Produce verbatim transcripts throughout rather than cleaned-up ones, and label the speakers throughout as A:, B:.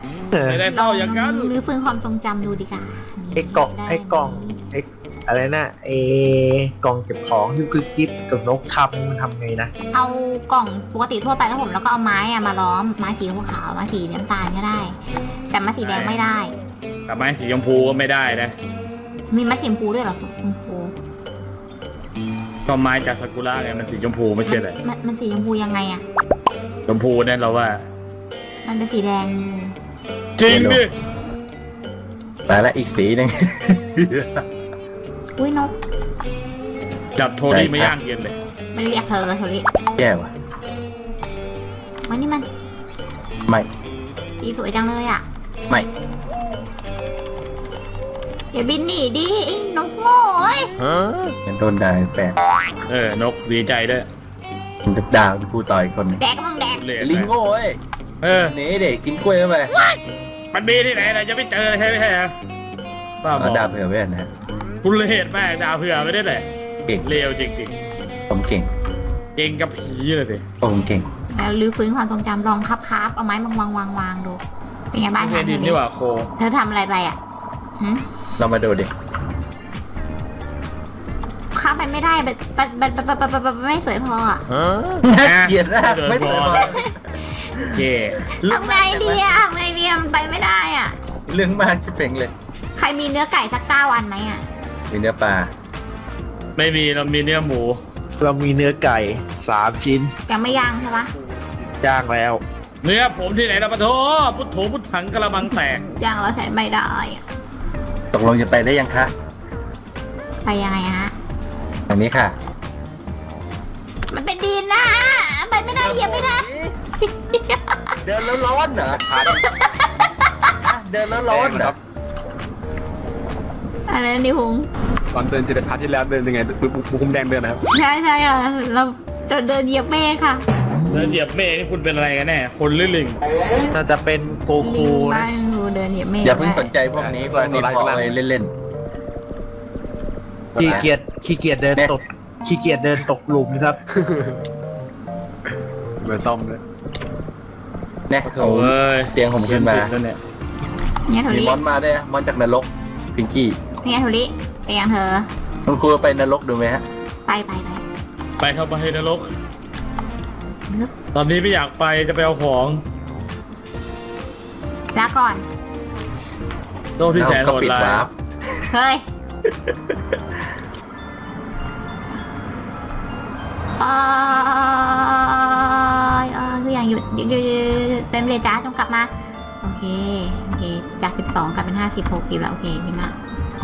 A: ไม่ได้เท่าอย่างนั้น
B: หรือฟื้นความทรงจำดูดีกว่า
C: ไอ้กล่องไอ้กล่องไอ้อะไรนะไอ้กล่องเก็บของที่คือจิ๊บกับนกทำมันทำไงนะ
B: เอากล่องปกติทั่วไปครับผมแล้วก็เอาไม้อะมาล้อมไม้สีขาวไม้สีน้ำตาลก็ได้ แต่ไม้สีแดงไม่ได้
A: แต่ไม้สีชมพูก็ไม่ได้นะ
B: มีไม้สีชมพูด้วยเหรอชมพู
A: ก็ไม้จากซากุระไงมันสีชมพูไม่ใช่เหรอ
B: มันมันสีชมพูยังไงอะ
A: ชมพูเนี่ยเราว่า
B: มันเป็นสีแดง
A: จริงดิ
D: แต่ละอีกสีหนึ่ง
B: อุ้ยนก
A: จับโทนี่ไม่ย่างเย็นเลย
B: ไม่เรียกเธอโทริ
D: แย่ว่ะ
B: วันนี้มัน
D: ไม่
B: สีสวยจังเลยอะ
D: ไม่
B: อย่าบินหนีดิไอ้นกโง่เอ้ย
D: งั้นโดนด่าแปลก
A: เออนกดีใจด้วย
D: มันจะด่าที่พูดต่อยคน
B: แดกก็มึงแดก
A: เหลย
D: ลิงโง่เอ้ย
A: เออ
D: หนีเด็กกินกล้วยเข้าไป
A: มันมีที่ไหนนะจะไม่เจอใช่ไหมใช่ฮะป้าบ
D: เอา
A: อก
D: ด่าเผื่อไว้นะ
A: คุณเลดแม่ด่าเผื่อไม่ได้แหละ
D: เก่ง
A: เลวจริงจริง
D: ผมเก่ง
A: ๆจริงกับผีเลยสิ
D: ผมเก่ง
B: แล้วรื้อฟื้นความทรงจำลองคับคับเอาไม้มาวางวางวางดูเป็นไงบ้าง
A: ไม่
B: คะ
A: ดินนี่หว่าโค
B: เธอทำอะไรไปอ่ะหืม
D: เรามาดูดิ
B: ข้ามไปไม่ได้แบบแบบแบบแบบแบบแบบไม่สวยพออ่ะ
D: น่าเกลียดนะไม่สวยพอ
A: เย่
B: ทำไงดีอ่ะทำไงดีอะมันไปไม่ได้อ่ะ
D: เรื่องมากชิบเป่งเลย
B: ใครมีเนื้อไก่สักเก้าอันไหมอ่ะ
D: มีเนื้อปลา
A: ไม่มีเรามีเนื้อหมู
C: เรามีเนื้อไก่สามชิ้น
B: ยังไม่ย่างใช่ปะ
C: ย่างแล้ว
A: เนื้อผมที่ไหนเราปะโถพุทโธพุทถังกระมังแตก
B: ย่างเราใช้ไม่ได้อ่ะ
D: ตกลงจะไปได้ยังคะ
B: ไปยังไงฮะ
D: อันนี้ค่ะ
B: มันเป็นดินนะไปไม่ได้เหยียบไม่ได้
D: เดินแล้วร้อนเหรอเดินแล้วร้อนเหรอ
B: อะไรนะนิวฮง
E: ตอนเดินเจตพาร์ทที่แล้วเดินยังไงบุบุคุมแดงเดินนะครับ
B: ใช่ใช่อ่ะเราเราเดินเหยียบเมฆค่ะ
A: แล้วเหยียบเมฆนี่คุณเป็นอะไรกันแน่คนหรือลิง
C: น่าจะเป็นโก
B: ลิ
C: คู
B: ง
C: นะ
B: บ้านงูเดินเหยียบเมฆ
D: อย่าเพิ่งสนใจพวกนี้พวกนี้พอไปเล่น
C: ขี้เกียจขี้เกียจเดินตกขี้เกียจเดินตกหลุมครับ
E: เหมือนต้อมเลย
D: ๆเนี่ย
A: โถ่เอ้ย
D: เตียงผมขึ้นมา
A: แล้วเนี่ย
B: เนี่ยโท
D: มี
B: ริ
D: มอนมาด้วยนะมอนจากนรกพิงกี้
B: เนี่ยโทริไปยังเธอ
D: คุณครูไปนรกดูไหมฮะ
B: ไปไปไป
A: ไปเข้าไปนรก
B: ลึก
A: ตอนนี้ไม่อยากไปจะไปเอาของ
B: ลาก่อน
A: โลกที่แสน
D: ก็
A: โหด
D: ปิด
A: ร้า
D: วาย ร์ป
B: เฮ้ยเอ้ยเอ้ยคืออย่างหยุดหยุดหยุดหยุดเฟรมเลยจ้าจงกลับมา โอเค โอเค จากสิบสองกลายเป็นห้าสิบหกสิบแล้ว โอเคพี่มาก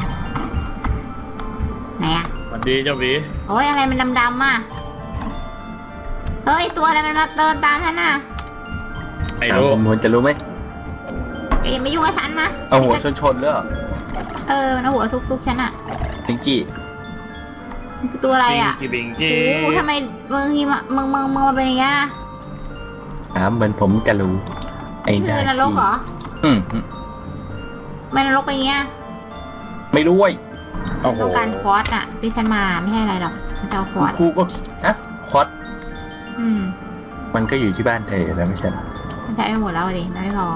B: ไหนอะ
A: สวัสดีเจ้าหวี
B: โอ้ยอะไรมันดำๆอ่ะ เฮ้ย ตัวอะไรมันมาเดินตามฉันน่ะ
A: ไอ้รู้
D: ผมควรจะรู้ไหม
B: แกอย่ามายุ่งกับฉันนะ
D: เอาหัวชนชนๆเลยเหรอ
B: เออมันเอาหัวซุกๆฉันอ่ะ
D: พิงกี้
B: มันคือตัวอะไรอ่ะ
A: บิงกี้บิง
B: โอ้
A: กี้
B: โหทำไมมึงทีมามึงมึงมึงมาเป็นอย่างเงี้ย
D: ถามเหมือนผมจะรู้ไอ้
B: นี่
D: นา
B: คือนรกเหรอ
D: อืมอืม
B: ไม่นรกเป็นอย่างเงี้ย
D: ไม่รู้เว้ย
A: โอ้โห
B: ต้องการควอตอ่ะที่ฉันมาไม่ใช่อะไรหรอกฉันจะเอาควอต
D: ครูก็อะคอส
B: อืม
D: มันก็อยู่ที่บ้านเธอแล้วไม่ใช่เหรอ
B: มันใช้ไปหมดแล้วดิมันไม่พอ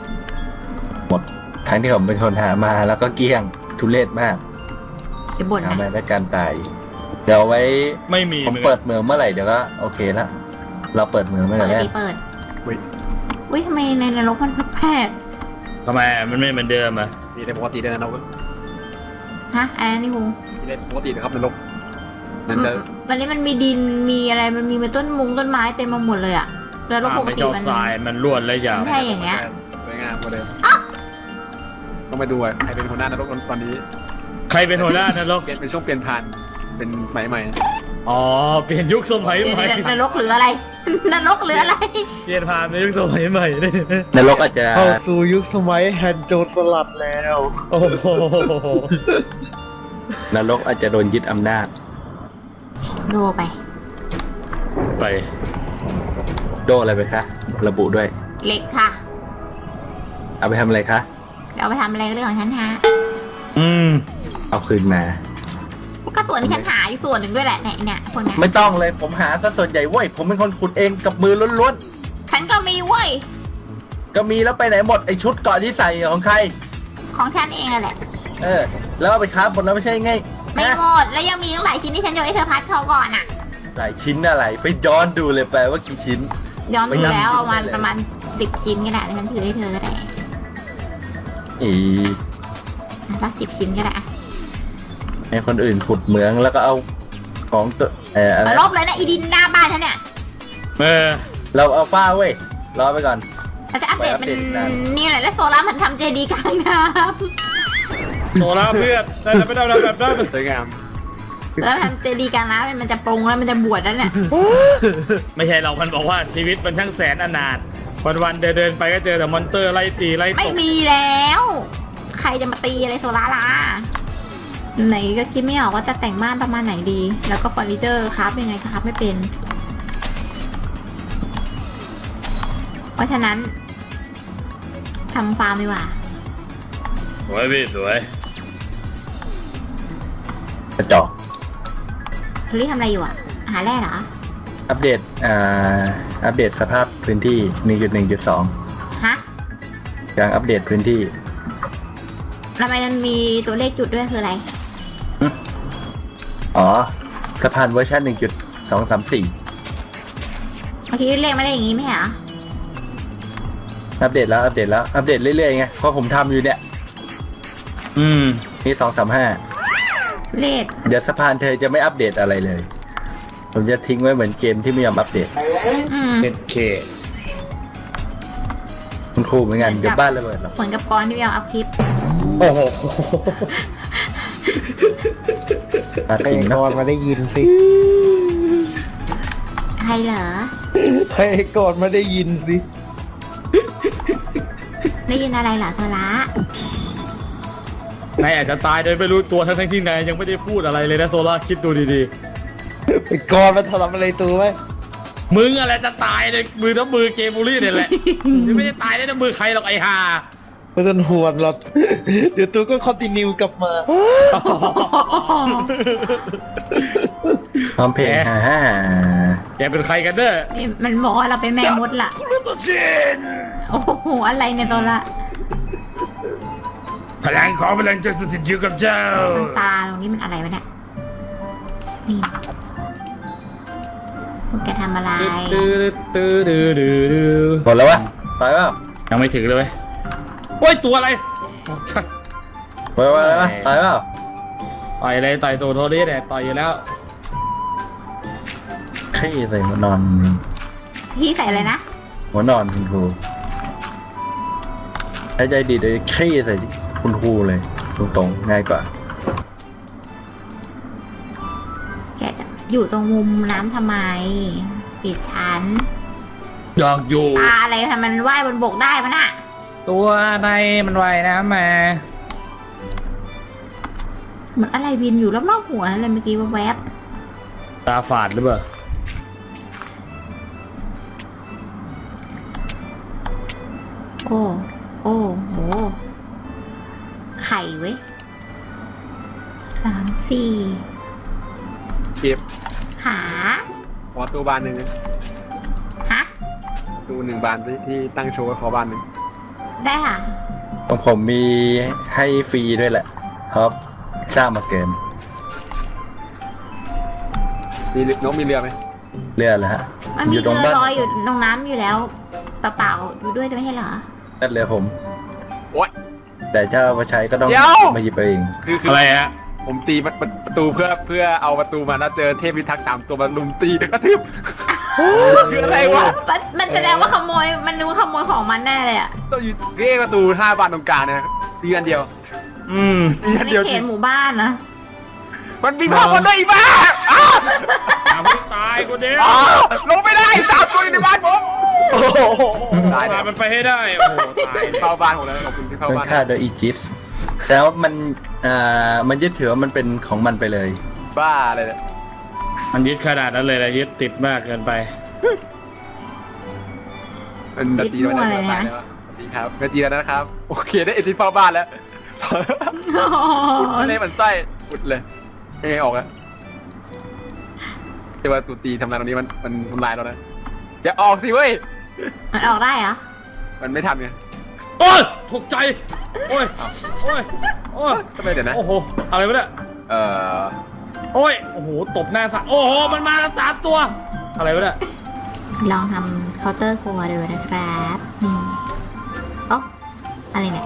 D: ทั้งที่ผมเป็นคนหามาแล้วก็เกลี้ยงทุเรศมาก
B: เดี๋ยวบ่น
D: หา
B: นะ
D: มาด้วยการตาย เดี๋ยวไว้
A: ไม่มี
D: ผม
A: หอนกัน
D: เปิดเมืองเมื่อไหร่เดี๋ยวก็โอเคละเราเปิดเมืองเมื่อไห
B: เปิ
D: ร่
B: ด
D: แรก
B: ดิเปิดอุ้ยทำไมในนรกมันแพร่
A: ทำไมมันไม่เหมือนเดิมอ่ะ
E: ตีได้ปกติได้นะนก
B: ฮะอะไรนะนี่ฮู
E: ตีได้ปกตินะครับนรกนั่นจะ
B: วันนี้มันมีดินมีอะไรมันมีต้นมุงต้นไม้เต็มมาหมดเลยอ่ะแล้วปก
A: ไม่
B: ติ
A: ชอบ
B: มัน
A: ทรายมันล้วนและยาว
B: ไม่ใช่อย่างเงี้ย
E: สวยงามกว่าเดิมต้องไปดูอ่ะใครเป็นหัวหน้านรกตอนนี้
A: ใครเป็นหัวหน้านรก
E: เปลี่ยนเป็นช่วงเปลี่ยนผ่านเป็นใหม่ใหม่
A: อ๋อเปลี่ยนยุคสมัย
B: เดี๋ยว
A: ใหม่
B: เดี๋ยวนรกหรืออะไร นรกหรืออะไร
A: เปลี่ยนผ่านในยุคสมัยใหม่เลย
D: นรกอาจจะ
C: เข้าสู่ยุคสมัยแฮนด์โจรสลัดแล้ว
A: โอ้โห
D: นรกอาจจะโดนยึดอำนาจ
B: โดไป
A: ไป
D: โดอะไรไปคะระบุด้วย
B: เหล็กค่ะ
D: เอาไปทำอะไรคะ
B: เดี๋ยวเอาไปทำอะไรเรื่องของฉันฮะ
A: อืม
D: เอาคืนมา
B: ก็ส่วนที่ฉันหาอยู่ส่วนหนึ่งด้วยแหละเนี่ยเนี่ยคนเนี้ย
D: ไม่ต้องเลยผมหาซะส่วนใหญ่เว้ยผมเป็นคนขุดเองกับมือล้วน
B: ฉันก็มีเว้ย
D: ๆก็มีแล้วไปไหนหมดไอชุดเกราะที่ใส่ของใคร
B: ของฉันเองอะแหละ
D: เออ แล้วเอาไปค้าหมดแล้วไม่ใช่ไง
B: ไม่
D: นะ
B: หมดแล้วยังมีตั้งหลายชิ้นที่ฉันโยนให้เธอพัดเขาก่อนอ่ะ
D: หลายชิ้นอะไรไปย้อนดูเลยแปลว่ากี่ชิ้น
B: ย้อนไป
D: ไม่นับ
B: แล้วประมาณ
D: เลย
B: ประมาณสิบชิ้นก็ได้แล้วฉันถือให้เธอก็ได้
D: อี
B: สักสิบชิ้นก็ได้อะ
D: ให้คนอื่นขุดเหมืองแล้วก็เอาของตัวเอออะไร
B: เอาลบเลยนะอีดินหน้าบ้านฉันเนี่ย
A: เออ
D: เราเอาฟ้าเว้ยรอไปก่อน
B: เราจะอัปเดตมัน
D: ไปอัปเดตอีกนาน
B: นี่แหละแล้วโซล่ามันทำเจดีย์กลางน้
A: โซล่าเพื่อนแต่จะไม่ได้แบบนั้น
E: สวยงาม
B: ำแล้วทำเจดีย์กลางน้ำมันจะปรงแล้วมันจะบวชแล้วเนี่ย
A: ไม่ใช่เรามันบอกว่าชีวิตมันช่างแสนอนาถวันวันๆเดินเดินๆไปก็เจอแต่มอนเตอร์ไล่ตีไล่ต
B: ไม่
A: บ
B: มีแล้ว ใครจะมาตีอะไรโซล่าล่ะไหนก็คิดไม่ออกว่าจะแต่งบ้านประมาณไหนดี แล้วก็เฟอร์นิเจอร์ครับยังไงครับไม่เป็น เพราะฉะนั้นทำฟาร์มดีกว่า
A: สวยพี่สวย
D: กระจอก
B: ทุลี่ทำอะไรอยู่อ่ะ หาแร่เหรอ
D: อัปเดตอ่าอัปเดตสภาพพื้นที่ หนึ่งจุดหนึ่งจุดสอง
B: ฮะ
D: กำลังอัปเดตพื้นที่
B: ทำไมมันมีตัวเลขจุดด้วยคืออะไร
D: อ๋อสะพานเวอร์ชันหนึ่งจุดสองสามสี่
B: เมื่อกี้เลขไม่ได้อย่างงี้ไหมเหรอ
D: อัปเดตแล้วอัปเดตแล้วอัปเดตเรื่อยๆไงเพราะผมทำอยู่เนี่ย
A: อืม
D: นี่สองสามห้า
B: เลข
D: เดี๋ยวสะพานเธอจะไม่อัปเดตอะไรเลย ผมจะทิ้งไว้เหมือนเกมที่ไม่ยอมอัปเดต
B: อืม
A: เอ็ดเค
D: คุณครูเหมือนกันเดี๋ยวบ้านระเบิดหรอก
B: เหมือนกับกรที่เราอัพคลิป
A: โอ้โห
D: มา
C: ให้
D: จริง
C: ก
D: เนาะ
C: อนมาได้ยินสิ
B: ใครเหรอ
C: ให้กอนมาได้ยินสิ
B: ได้ยินอะไรเหรอโซล่าน
A: ายอาจจะตายโดยไม่รู้ตัวทั้งๆที่นายยังไม่ได้พูดอะไรเลยนะโซล่าคิดดูดี
C: ไอ้กอนมาทำอะไรตัวไว้
A: ๆมึงอะไรจะตายในมือน้ำมือเกมบูลลี่เนี่ยแหละ ยังไม่ได้ตายในน้ำมือใครหรอกไอ้ห่า
C: ไม่ต้องห่วงหรอก เดี๋ยวตัวก็คอนติเนียกลับมา
D: พร้อมเพลงฮ่าฮ่า
A: แกเป็นใครกันเด้อ
B: นี่มันบอกว่าเราเป็นแม่มดล่ะ โอ้โห อะไรเนี่ยโซล่า
A: พลังของพลังจงสถิตอยู่กับเจ้า
B: มันตาตรงนี้มันอะไรวะเนี่ย นี่พวกแกทำอะไร
A: ตื้อตื้อตื้อตื้อตื้อ
D: หมดแล้ววะไปเปล่า
A: ยังไม่ถึงเลยเว้ยโอ้ยตัวอะไร
D: ไปเปล่าไปเปล่าไปเปล่า
A: ต่อยเลยต่อยตัวโทนี่เนี่ยต่อยอยู่แล้ว
D: ขี้ใส่หัวนอน
B: พี่ใส่อะไรนะ
D: หัวนอนคุณครูใช้ใจดีเลยขี้ใส่คุณครูเลยตรงๆง่ายกว่า
B: แกจะอยู่ตรงมุมน้ำทำไม ปิดชั้น
A: อยากอยู่
B: ปลาอะไรทำไมมันว่ายบนบกได้มันอะ
A: ตัวในมันว่ายน้ำมา
B: เหมือนอะไรบินอยู่รอบๆหัวเลยเมื่อกี้แวบ
A: ตาฝาดหรือเปล่า
B: ๆโอ้ โอ้โห ไข่เว้ยสามสี่
E: เก็บ
B: หา
E: ขอตัวบานหนึ่งนะ
B: ฮะ
E: ตัวหนึ่งบานที่ที่ตั้งโชว์ไว้ขอบานหนึ่ง
B: ได้ค่ะ
D: ของผมมีให้ฟรีด้วยแหละครับสร้างมาเกิน
E: มีนกมีเรือไหม
D: เรือแล้วฮะ
B: มันมี
D: อยู่ตรง
B: เรือ
D: บ้าน
B: ลอยอยู่ตรงน้ำอยู่แล้วเปล่าๆอยู่ด้วยไม่ใช่เหรอ
D: นั่นเรือผม
E: โอ๊ย
D: แต่ถ้าเอามาใช้ก็ต้อง
E: เดี๋ยว
D: มาหยิบเอาเอง
E: คือคือ
A: อะไรฮะ
E: ผมตีประประตูเพื่อเพื่อเอาประตูมาแล้วเจอเทพพิทักษ์สามตัวมาลุมตีกระทืบคืออะไรวะ
B: มันมันแสดงว่าขโมย มันรู้ขโมยของมันแน่เลยอ่ะ
E: ต้องอยู่เรียกประตูห้าบานตรงกลางเนี่ยตีอันเดียว
A: อืม
E: ตีอัน
B: ใน
E: เดียว
B: เขตหมู่บ้านนะ
E: มันมีพ่อคนได้อีกบ้าอ้าว
A: ทำให้ตายกูเดียว
E: อ้าวลงไม่ได้สามตัวอยู่ในบ้านผม
C: โอ้โห
E: ตาย
A: พา
E: แล้ว
A: มันไปให้ได้ โอ้โห ตาย
E: เข้าบ้านผมแล้วขอบคุณที่เข้า
D: เป็น
E: บ้าน
D: ค่าโดยอีจิปส์แต่ว่ามันอ่ามันยึดถือว่ามันเป็นของมันไปเลย
E: บ้าเลยเนี่ย
A: มันยึดขนาดนั้นเลยนะยึดติดมากเกินไป
E: มันจะตีแล้วนะตายแล้วสวัสดีครับไม่ตีแล้วนะครับโอเคได้เอ็นที่เข้าบ้านแล้วอุดเลยมันไส้อุดเลยไม่ให้ออกอะแต่ว่าตูตีทำลายตรงนี้มันมันทำลายเรานะอย่าออกสิเว้ย
B: มันออกได้เหรอ
E: มันไม่ทันไง
A: โอ้ยตกใจโอ้ยโอ้ยโอ้ย
E: ทำไมเดี๋ยวนะ
A: โอ้โหอะไรวะเนี่ย
E: เอ่อ
A: โอ้ยโอ้โหตบหน้าสามโอ้โหมันมากันสามตัวอะไรวะเนี่ย
B: ลองทำเคาน์เตอร์ครัวดูนะครับนี่โอ๊ะอะไรเนี่ย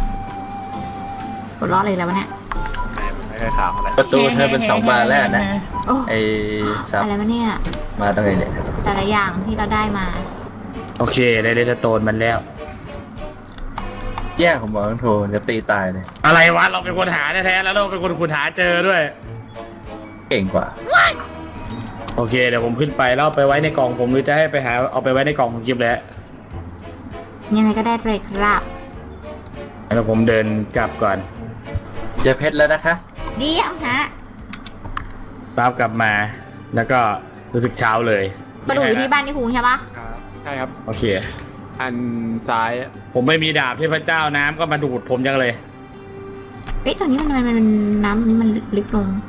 B: ปวดร้อนเลยแล้ววะเนี่ย
E: ไม่ไม่ค่อยขาวเท่าไหร่
D: ประตูเธอเป็นสองบานแล้วนะ
B: โอ้
D: ไอ้ซับ
B: อะไรวะเนี่ย
D: มาตั้งไงเนี่ย
B: แต่ละอย่างที่เราได้มา
A: โอเคได้เลสโตนมันแล้ว
D: แย่ของหมอโทรจะตีตายเลย
A: อะไรวะเราเป็นคนหาแท้ๆแล้วเราเป็นคนขุดหาเจอด้วย
D: เก่งกว่า
A: โอเคเดี๋ยวผมขึ้นไปแล้วเอาไปไว้ในกล่องผมหรือจะให้ไปหาเอาไปไว้ในกล่องของกิฟแล้ว
B: ยังไงก็ได้เลยครับ
A: แล้วผมเดินกลับก่อน
D: เจอเพชรแล้วนะคะ
B: เดี๋ยวฮะ
A: ตามกลับมาแล้วก็รู้สึกเช้าเลย
B: มาดูอยู่ที่บ้านที่คุงใช่ปะ
E: ครับใช่ครับ
A: โอเค
E: อันซ้าย
A: ผมไม่มีดาบเทพเจ้าน้ำก็มาดูดผมจังเลย
B: เอ๊ะตอนนี้มันมันมันน้ำนี่มันลึกลง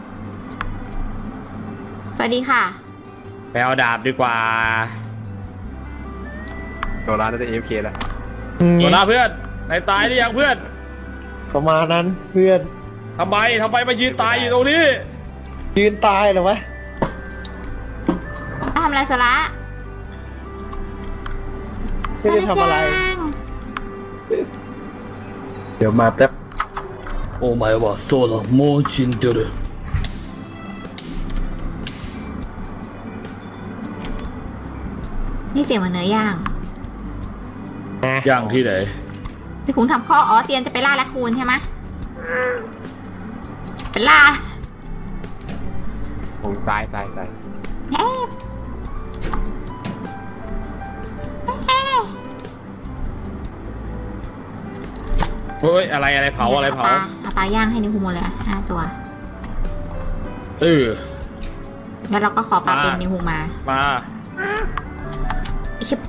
B: สวัสดีค่ะ
A: ไปเอาดาบดีกว่า
E: ตัวร้านน่าจะ เอ เอฟ เค แล้ว
A: โซล่าเพื่อนนายตายหรือยังเพื่อน
C: ประมาณนั้นเพื่อน
A: ทำไมทำไมมายืนตายอยู่ตรงนี้
C: ยืนตายเหรอวะ
B: ทำอะไรสาระ
C: ไม่ได้ทำอะไร
B: สาจัง
D: เดี๋ยวมาแป๊บ
A: โอ้ไม่ว่าโซล่าโมชินเดอร์
B: นี่เสียงเหมือนเนื้อย่าง
A: ย่างที่ไหน
B: ที่คุงทำข้ออ๋อเตียนจะไปล่าแรคคูนใช่ไหมเป็นล่า
E: ผมซ้ายซ้ายซ้าย
B: เอ๊ะเอ๊ะ
A: เฮ้ยอะไรอะไรเผาอะไรเผา
B: ปลเอาปลาย่างให้นิวคุงหมดเลยอะห้าตัว
A: เออ
B: แล้วเราก็ขอปลา
A: มา
B: เป็นนิวคุงมา
A: มา
B: อิ๊บ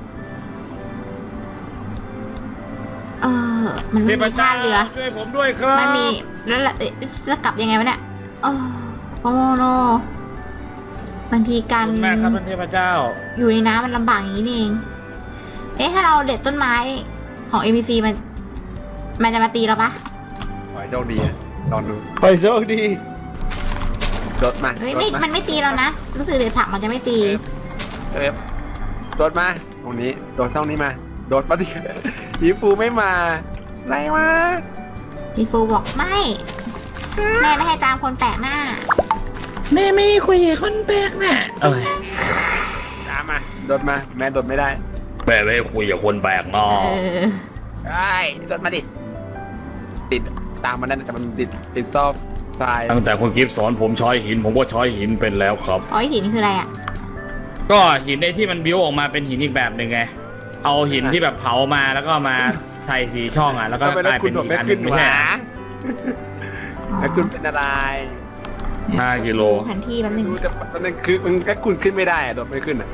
B: เออ มัน
A: เท
B: ไม่
A: พ
B: มีท่า
A: เจ้า
B: เรือ
A: ช่วยผมด้วยครับ
B: ไม่มีแล้วละเอ๊ะจะกลับยังไงวะเนี่ยโอ้โอ้โนบางทีการ
A: ขอบคุณมากครับท่านเทพเจ้า
B: อยู่ในน้ำมันลำบากอย่างนี้นี่เอง เอ๊ะถ้าเราเด็ดต้นไม้ของ เอ็ม บี ซี มัน มันจะมาตีเราปะ
E: ขอให้โชคดีนะลองดู
C: ไปโชคดี
E: รถมา
B: เฮ้ย
E: ร
B: ไม่
E: ถมา
B: มันไม่ตีเรานะ รู้สึกเด็ดผักมันจะไม่ตี
E: เอฟรถมาตรงนี้โดดช่องนี้มาโดดมาดิยีฟูไม่มาไรวะ
B: จีฟูบอกไม่ แม่ไม่ให้ตามคนแปลกหน้า
A: แม่ไม่คุยกับคนแปลกหน้าเอ้ย
E: ตามมาโดดมาแม่โดดไม่ได้
A: แม่ไม่คุยกับคนแปลกหน้า
B: เออ
E: ไอ้โดดมาดิติดตามมันนั่นแต่มันติดติดซอกทราย
A: ตั้งแต่คุณกิฟต์สอนผมช้อยหิน ผมก็ช้อยหินเป็นแล้วครับ
B: อ๋อหินคืออะไรอ่ะ
A: ก็หินในที่มันบิ้วออกมาเป็นหินอีกแบบหนึ่งไง เอาหินที่แบบเผามาแล้วก็มาใส่สีช่องอ่ะแล้วก็
E: ทำไม
A: ก
E: แล้ว
A: ลาย
E: คุ
A: เป็
E: ณ
A: น
E: โดด
A: อีก
E: ไม่
A: อันห
E: ขึ้
A: นึ
E: น
A: งไม่
E: วะ
A: ใช่
E: แล้วคุณเป็นอะไร
A: ห้ากิโล
B: แผนที่แป๊บนึง
E: ดูแต่ตอนนั้นคือมันก็คุณขึ้นไม่ได้อะโดดไม่ขึ้นอ่ะ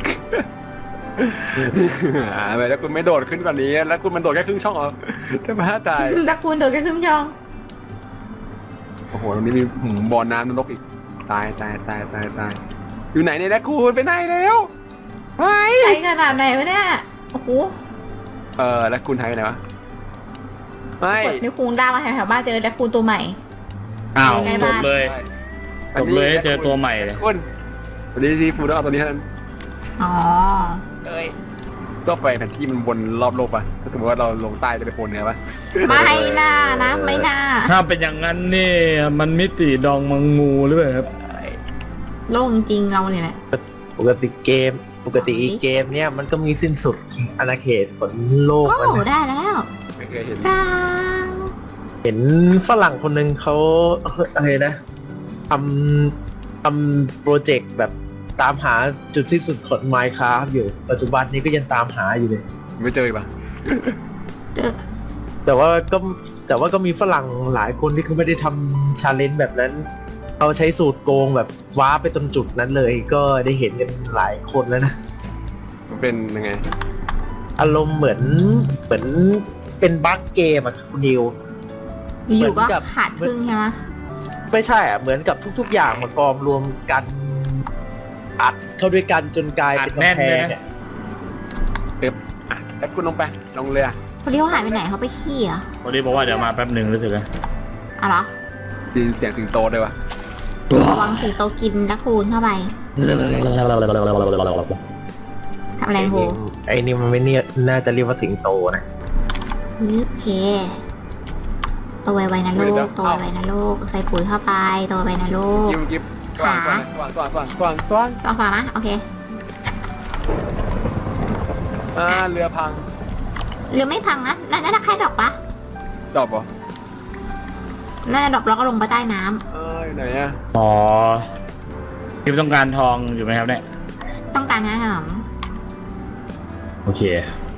E: อ่าแล้วคุณไม่โดดขึ้นกว่านี้ แล้วคุณมันโดดแค่ครึ่งช่องเหรอจะมาตาย
B: ตะกูลโดดแค่ครึ่งช่อง
E: โอ้โหตรงนี้มีหืมบ่อน้ำนรกอีก ตายตายตายตายตายอยู่ไหนเนี่ยนะคุณไปไหนแล้วไป
B: ไกลขนาดไหนวะเนี่ย โอ้โห
E: เออแล้วคุณหายไปไหนวะไม่
B: กดนิ้วคูงด้ามาแถวๆบ้านเจอแรคคูนตัวใหม่
A: อ้าว
B: ใกล้
A: จ
B: บ้า
A: บ
B: น
A: เลยจบเลยเจอตัวใหม่เลย
E: คุณวันนี้ซีฟูดต้องเอาตัวนี้เท่านั้น
B: อ๋อ
E: เอ้ยก็ไปแผนที่มันวนรอบโลกป่ะถ้าสมมติว่าเราลงใต้จะไปโพนเหนือป่ะ
B: ไม่น่านะไม่น่า
A: ถ้าเป็นอย่างนั้นนี่มันมิติดองมังงูหรือเปล่าครับ
B: โล่งจริงๆเราเนี่ยแหละ
C: ปกติเกม ปกติอีเกมเนี่ยมันก็มีสิ้นสุดอาณาเขตของโลก
B: โอ้
C: มันนะ
B: ได้แล้ว
E: ไม่เคยเห็น
B: ปราง
C: เห็นฝรั่งคนหนึ่งเขาอะไรนะทำทำโปรเจกต์แบบตามหาจุดสิ้นสุดของ Minecraft อยู่ปัจจุบันนี้ก็ยังตามหาอยู่เลย
E: ไม่เจออีกป่ะ
B: เจอ
C: แต่ว่าก็แต่ว่าก็มีฝรั่งหลายคนที่เขาไม่ได้ทำชาเลนจ์แบบนั้นเขาใช้สูตรโกงแบบว้าร์ปไปตรงจุดนั้นเลย ก็ได้เห็นกันหลายคนแล้วนะ
E: มันเป็นยังไง
C: อารมณ์เหมือนเหมือนเป็นบั๊กเกมอะคุณนิว
B: อยู่ก็
C: เหมือนกับ
B: ขาดครึ่งใช่ไหม
C: ไม่ใช่อะเหมือนกับทุกๆอย่างมากองรวมกันอัดเข้าด้วยกันจนกลายเป็น
A: อัดแน่น
C: กำแพ
A: เลย
C: ง
A: นะ
C: อะ
E: อ่ะแล้วคุณลงไปลงเรือ
B: คนที่เขาหายไปไหนเขาไปขี้เหรอ
A: คนนี้บอกว่าเดี๋ยวมาแป๊บหนึ่งรู้สึกอะ
B: อ๋อเหรอ
E: ได้ยินเสียงสิงโตด้วยวะ
B: ระวังสิงโตกินละคูณเข้าไปทำอะไรโห
C: ไอ้นี่มันไม่เนี่ยน่าจะเรียกว่าสิงโตนะ
B: โอเคโตไวๆนะลูกโตไวๆนะลูกใส่ปุ๋ยเข้าไปโตไวๆนะลูก
E: กิ๊บกิ๊บกว้างกว้างกว้างกว้างกว้างกว้างกว้าง
B: ลองฟังนะโอเค
E: อ่าเรือพัง
B: เรือไม่พังนะนั่นน่าจะแค่ดอกปะ
E: ดอกเหรอ
B: น่าจะดอกแล้วก็ลงไปใต้น้
E: เอ้ยไหนอะ
A: อ๋อที่ต้องการทองอยู่ไหมครับเนี่ย
B: ำต้องการนะหอม
A: โอเค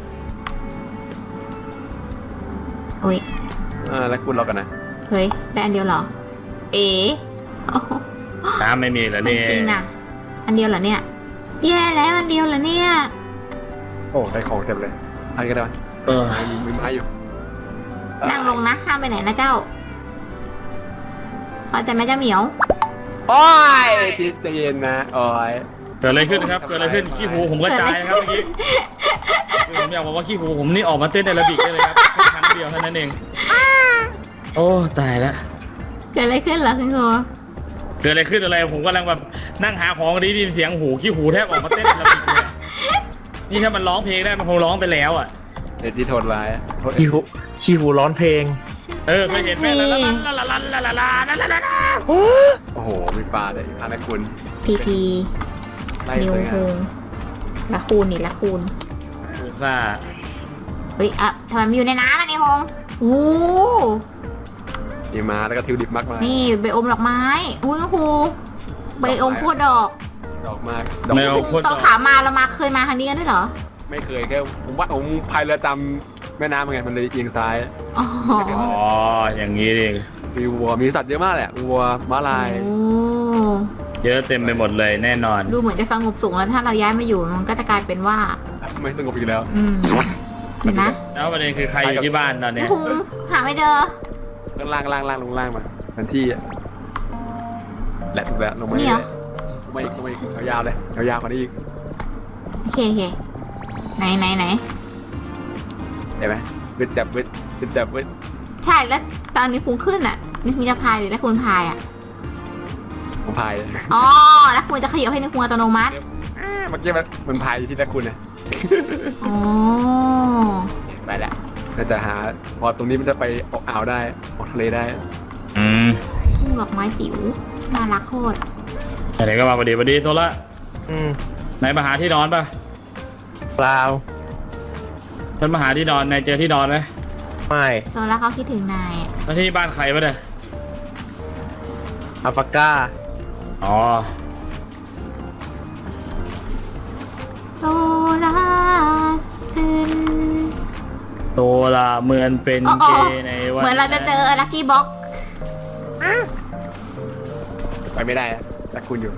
B: อุ้ย
E: อ่าแล้วคุณรอกันนะ
B: เฮ้ยได้อันเดียวเหรอ เอ๋โอ้โห
A: น้ำไม่มีเหรอ
B: ไม่
A: เนี่ย
B: จริงนะอันเดียวเหรอเนี่ยแย่แล้วอันเดียวเหรอเนี่ย
E: โอ้ได้ของเต็มเลยอันนี้ก็ได้ไหม
A: เออ
E: มีมีไม้อยู่
B: นั่งลงนะห้ามไปไหนนะเจ้าพอใจไหมเจ้าเหมียว
E: โอ้ยจิตใจเย็นนะโอ้ย
A: เกิดอะไรขึ้นนะครับเกิดอะไรขึ้นขี้หูผมกระจายนะครับเมื่อกี้ผมอยากบอกว่าขี้หูผมนี่ออกมาเต้นแอโรบิกได้เลยครับแค่ครั้งเดียวเท่านั้นเองโอ้ตายแล้ว
B: เกิดอะไรขึ้นเหรอคุณครู
A: เกิดอะไรขึ้นอะไรผมกำลังแบบนั่งหาของดีได้ยินเสียงหูขี้หูแทบออกมาเต้นแอโรบิกเลยอะนี่ถ้ามันร้องเพลงได้มันคงร้องไปแล้วอ่ะ
E: เด็ดที่โทษร้ายอะโทษ
C: ขี้หูขี้หูร้อนเพลง
A: เออเคยเห็นไหมลาลาลาลาลาลาลาลาลาลาลาลา
E: โอ้โหมีปลาเลยอันนั้นคุณ
B: ทีพี
E: ไล่
B: นิว
E: สวย
B: ฮ
E: งาม
B: งละคูณนี่ละคูณ
A: ซูซ่า
B: เฮ้ยอะทำไมมันอยู่ในน้ำอ่ะนิวฮงโอ้
E: มีม้าแล้วก็ทิวดิบมากมาย
B: นี่ใบอมดอกไม้อุ้ยครูใบอมพูดดอก
E: ดอกมากดอก
A: แมวโคตร
B: ตอนขามาเรามาเคยมาครั้งนี้กันด้วยเหรอ
E: ไม่เคยแค่ผมว่าผมพายเรือจำแม่น้ำไงมันเลยเอียงซ้าย
B: อ๋อ
A: อ๋ออย่างนี้ดิ
E: มีวัวมีสัตว์เยอะมากแหละวัวม้าลาย
B: โอ้
A: เยอะเต็มไปหมดเลยแน่นอน
B: ดูเหมือนจะสงบสุขแล้วถ้าเราย้ายมาอยู่มันก็จะกลายเป็นว่า
E: ไม่สงบอีกแล้ว
B: อืมเห็นนะ
A: แล้วประเด็นคือใครอยู่ที่บ้านตอน
B: นิ
A: เนี้
B: วย ฮงหาไม่เจอ
E: ข้างล่างล่างล่างลงล่างมาทันที่อะแหละถูกแล้วลงมา
B: นี่เหรอ
E: ลงมาอีกลงมาอีกยาวๆเลยยาวๆกว่านี้อีก
B: โอเคโอเคไหนไหนไหน
E: เห็นไหมวิดจับวิดวิดจับวิด
B: ใช่แล้วตอนนี้คุณขึ้นอ่ะนี่คุณจะพายหรือแล้วคุณพายอ่ะ
E: ผมพายเลย
B: อ๋อแล้วคุณจะขยับให้นิวฮงอัตโนมัติ
E: อ่าเมื่อกี้มันมันพายอยู่ที่ตะคุณนะ
B: อ๋อ
E: ไปแล้วน่าจะหาพอตรงนี้มันจะไปออกอ่าวได้ออกทะเลได้
A: อืม
B: ทุ่งดอกไม้จิ๋วน่ารักโคตร
A: ไหนก็มาพอดีพอดีโซล่า
C: อืม
A: ไหนมาหาที่นอนปะ
C: เปล่า
A: ฉันมาหาที่นอนนายเจอที่นอนไหม
C: ไม่
B: โซล่าเขาคิดถึงนายอะ
A: แล้วที่บ้านใครปะเนี่ย
C: อัลปาก้า
A: อ๋อ
B: โซล่าขึ้น
A: โซล่าเหมือนเป็น
B: อ๋อ
A: เก
B: อ๋อ
A: ย์ในวัน
B: เหมือนเราจะเจอลัคกี้บ็อก
E: ไปไม่ได้อะตะคุณอยู่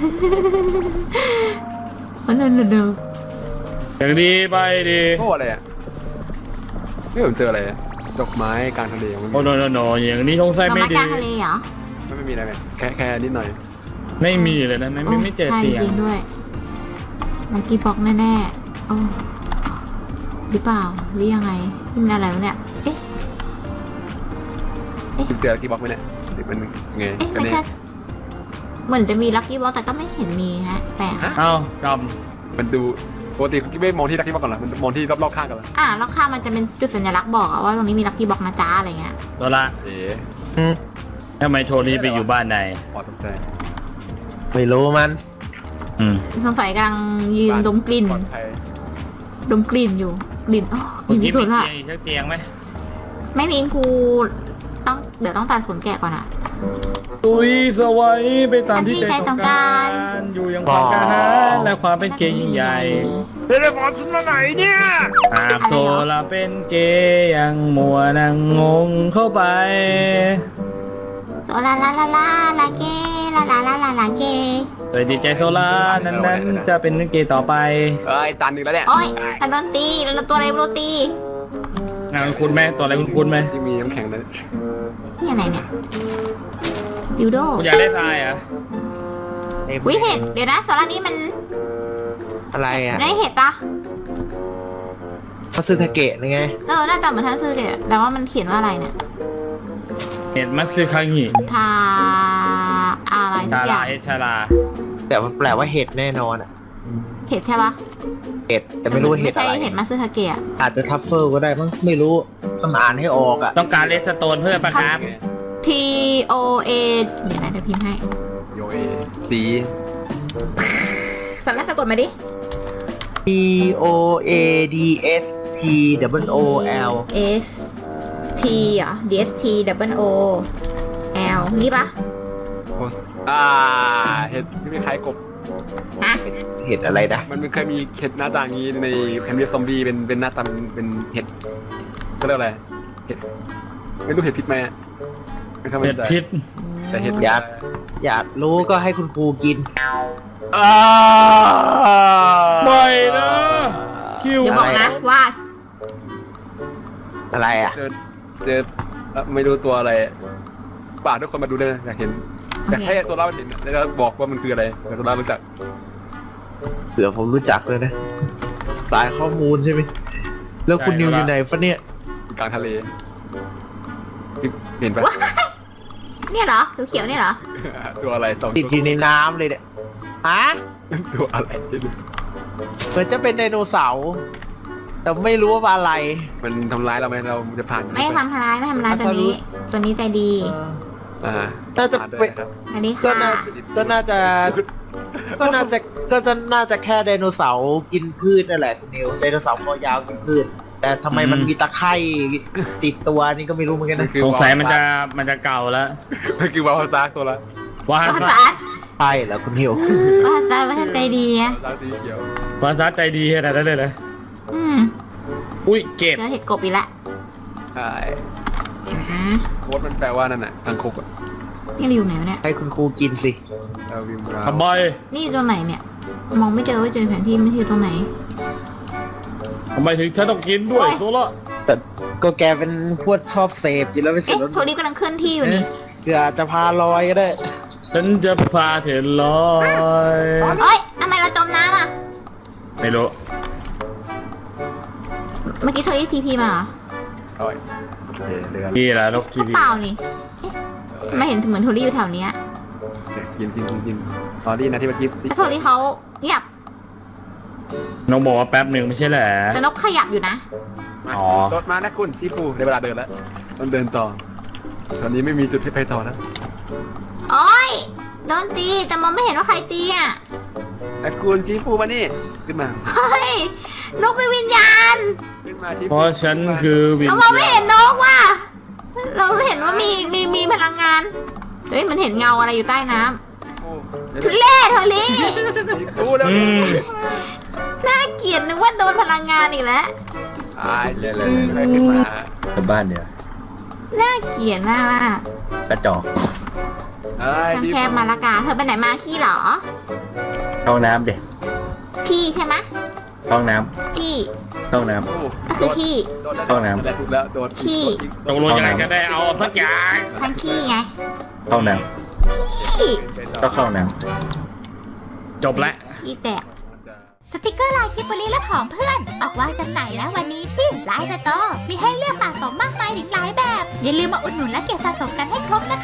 B: มันเดินเดิน
A: อย่างดีไปดี
E: โอ้อะไรอ่ะนี่ผมเจออะไรอะดอกไม้กลางทะเลมัน
A: โอ้โนโนโนอย่างนี้สงสัย
B: เรา
A: ไม่
B: มาก
A: ดี
B: ลางทะเลเหรอ
E: ไม่ไม่มีอะไรเลยแค่แค่นิดหน่อย
A: ไม่มีเลยนะไม่ไม่ไม่เจอ
B: ใช่
A: เตียง
B: จริงด้วยลัคกี้บ็อกแน่ๆโอ้หรือเปล่าหรือยังไงนี่มันอะไรวะเนี่ยเอ๊ะ
E: คุณเจอกี่บล็อกไหมเนี่ยหรือมันไง
B: เอ๊ะ
E: กัน
B: ไม่
E: เนี่ย
B: ใช่เหมือนจะมีลัคกี้บ็อกแต่ก็ไม่เห็นมีฮะแปลก
A: เอ้าก
E: มันดูปกติคุณไม่มองที่ลักกี้บล็อกก่อนเหรอมันมองที่รอบๆข้างกันเหรอ
B: อ่ะแล้วข้างมันจะเป็นจุดสัญลักษณ์บอกอะว่าตรงนี้มีลัคกี้บ็อกนะจ๊ะอะไรเงี้ย
A: ำโซล่า
E: เอ๋
C: อืม
A: ทำไมโชว์นี้ไปอยู่บ้านไหน
E: พอสนใจ
C: ไม่รู้มัน
A: อืม
B: สงสัยกำลังยืนดมกลิ่น
E: ปลอดภัย
B: ดมกลิ่นอยู่กลิ่นอ๋อก
A: คุ
B: ลิ่
A: ณ
B: น
A: ที่
B: สุ
A: มี
B: ดละ
A: เตียงอีกสักเตียงไหม
B: ไม่มีครูต้องเดี๋ยวต้องตัดขนแกะก่อนอะ
A: ตุยสวัยไปตามที่
B: ตามที่
A: ใจ
B: ใจต้
A: ต้
B: อ
A: อง ง
B: กา
A: การ ร อยู่อยังความกล้าหาญและความเป็นเกย์ยิ่งใหญ่
C: เทเลพอร์ตฉันมาไหนเนี่ย
A: หากโซลาเป็นเกย์ยังมัวนังงงเข้าไป
B: โซลาลาลาลาลาเกลาลาลาลาลาเก
A: โดยดีใจโซลานั้นนั้นๆจะเป็นเกย์ต่อไป
E: เอ้ยตันหนึ่งแล้วเนี่ย
B: โอ้ยแต่โดนตีแล้วตัวอะไรไม่รู้ตี
A: งานคุณไหมตัวอะไรคุณคุณไหม
E: ที่มีน้ำแข็งนั้น
B: นี่อะไรเนี่ยดิวโด
A: คุณอยากได้ทรายเหรอ่ะ
B: วิเห็ดเดี๋ยวนะโซลานี้มัน
C: อะไรอ่ะ
B: ได้เห็ดปะ
C: มาซึทาเกะนี่ไง
B: เออหน้าตาเหมือนทันซื้อเกะแต่ว่ามันเขียนว่าอะไรเนี่ย
A: เห็ดมัตสึคังิ
B: ทาอะไรสั
A: ชาก
B: อ
A: ลา
B: ย่าง
A: เอชาลา
C: แต่มันแปลว่าเห็ดแน่นอนอ่ะ
B: เห็ดใช่ปะ
C: เห็ดแต่ไม่รู้ว่าเห็
B: ไม่
C: ด
B: ใช่
C: อะไร
B: เห็ดมาซึทาเกะ
C: อาจจะทัฟเฟิลก็ได้มั้งไม่รู้ต้องอ่านให้ออกอ่ะ
A: ต้องการเลสโตนเพิ่มปะครับ
B: T O A เดี๋ยวนะเดี๋ยวพิมพ์ให้
E: โยเอสี
B: สันแล้วสะกดมาดิ
C: T O A D S T W O L
B: S T เหรอ D S T double O L นี่ปะ
E: โพสอ่าเห็ดที่ไม่คล้ายกบ
B: ฮะ
C: เห็ดอะไรนะ
E: มันเคยมีเห็ดหน้าตาอย่างนี้ในแพนเวียซอมบี้เป็นเป็นหน้าตาเป็นเห็ดก็เรียกอะไรเห็ดไม่รู้เห็ดพิษไหมอะไม่ทำ
A: เห็ดพิษ
E: แต่เห็ด
C: อยากอยากรู้ก็ให้คุณครูกิน
E: อ่า
A: ไม่นะคิว
B: เดี๋ยวบอกนะว่า
C: อะไรอ่ะ
E: เจอเจอเอ่อไม่รู้ตัวอะไรป่าทุกคนมาดูได้นะอยากเห็นอยากให้ตัวเราเห็นแล้วก็บอกว่ามันคืออะไรแต่ตัวเรารู้จัก
C: เผื่อผมรู้จักเลยนะสายข้อมูลใช่ไหมแล้วคุณนิวอยู่ไหนฟะเนี่ย
E: อยู่กลางทะเลเห็นปะ
B: เนี่ยเหรอเขียวๆเนี่ยเหรอ
E: ตัวอะไรสอง
C: ติด
E: ตัว
C: อยู่ในน้ำเลยเนี่ยฮะ
E: ตัวอะไร
C: เหมือนจะเป็นไดโนเสาร์แต่ไม่รู้ว่าอะไร
E: มันทำร้ายเราไหมเราจะผ่าน
B: ไม่ทำร้ายไม่ทำร้ายตัวนี้ ตัวนี้ใจดี
E: อ่า
C: น่าจะ
E: ผ่ด้วย
C: เป็น
E: ครับ
B: อันนี้
C: ก็
B: ค่ะ
C: น่าก็น่าจะก็น่าจะก็จะน่าจะแค่ไดโนเสาร์กินพืชนั่นแหละคุณนิวไดโนเสาร์คอยาวกินพืช แต่ทำไมมันมีตะไคร่ติดตัวนี่ก็ไม่รู้เหมือนกันนะ
A: สงสัยมันจะมันจะเก่าแล้ว
E: มันคือวาวาซากตัวละ
A: วา
B: ภา
A: ซา
B: ษา
C: ใช่แล้วคุณนิว
B: ภาษาภาษาใจดีอะ
E: วาวาซากสีเขียว
A: วาซาใจดีขนาดนั้นเลยเลย
B: อืม
A: อุ้ยเก็บ
B: เจอเห็ดกบอีกแล้ว
E: ใช่
B: เดี๋ยวนะ
E: โค้ดมันแปลว่านั่นน่ะทางคุกอะ
B: นี่เราอยู่ไหนวะเนี่ย
C: ให้คุณครูกินสิ
E: เราวิมรา
A: ขบอย
B: นี่อยู่ตรงไหนเนี่ย มองไม่เจอว่าเจอแผนที่ไม่อยู่ตรงไหน
A: ทำไมถึงฉันต้องกินด้วย
B: โอ้ย
A: โซล่า
C: แต่ก็แกเป็นพวกชอบเสพอยู่แล้วไม่เสร็
B: เอ๊ะ
C: จแล้ว
B: โทนี่กำลังเคลื่อนที่อยู่นี่
C: เผื่อจะพาลอยก็ได้
A: ฉันจะพาเธอลอย
B: เอ้ยทำไมเราจมน้ำอ่ะ
A: ไม่รู้
B: เมื่อกี้โทนี่ทีพีมาเหรอ
E: โอ้ยโอเคเรือ
A: นี่แหละนกกี
B: ก็
A: บี
B: เปล่านี่เอ๊ะทำไมเห็นเหมือนโทนี่อยู่แถวเนี้ย
E: กินกินกินกินตอนนี้นะที่เมื่อกี้
B: แต่โทนี่เขาเงียบ
A: น้องบอกว่าแป๊บหนึ่งไม่ใช่เหรอ
B: แต่นกขยับอยู่นะ
A: อ๋อ
E: รถมานะคุณที่ครูในเวลาเดินแล้วต้องเดินต่อ ตอนนี้ไม่มีจุดให้ไปต่อแล้ว
B: โอ้ยโดนตีแต่มองไม่เห็นว่าใครตีอ่ะ
E: นะคุณชี้ฟูมานี่ขึ้นมา
B: เฮ้ย นกเป็นวิญญาณ
E: ขึ้นมาชี้
A: เพราะฉันคือวิญ
B: เรามองไม่
A: ญา
B: เห็
A: ณ
B: นนกว่ะ เราเห็นว่ามีมีมีพลังงาน เฮ้ยมันเห็นเงาอะไรอยู่ใต้น้ำทุเล่โทนี่
E: ชี้ฟูแล้ว
A: อืม
B: น่าเกลียดนึกว่าโดนพลังงานอีกแล้ว
E: ตายเลยเลยเลยขึ้นมา
D: กลับบ้านเดี๋ยว
B: น่าเกลียดมาก
D: กระจอก
E: เอ้ย
B: ทาง
E: ชี้
B: แคบมาละกาเธอไปไหนมาขี้เหรอ
D: ห้องน้ำเด็ก
B: ขี้ใช่ไหม
D: ห้องน้
B: ขี้
D: ำห้องน้
B: ก็คือขี้
D: ห้องน้ำ
E: ถูกแล้วโดน
B: ขี้
A: ตกลงยังไงก็ได้เอาสักอย่าง
B: ทั้งขี้ไง
D: ำห้องน้
B: ขี้
D: ำก็เข้าน้
A: จบแล้ว
B: ขี้แตก สติกเกอร์ลายกิบบลีและของเพื่อน ออกวางจำหน่ายแล้ววันนี้ที่ไลน์สโตร์มีให้เลือกสะสมมากมายถึงหลายแบบ อย่าลืมมาอุดหนุนและเก็บสะสมกันให้ครบนะคะ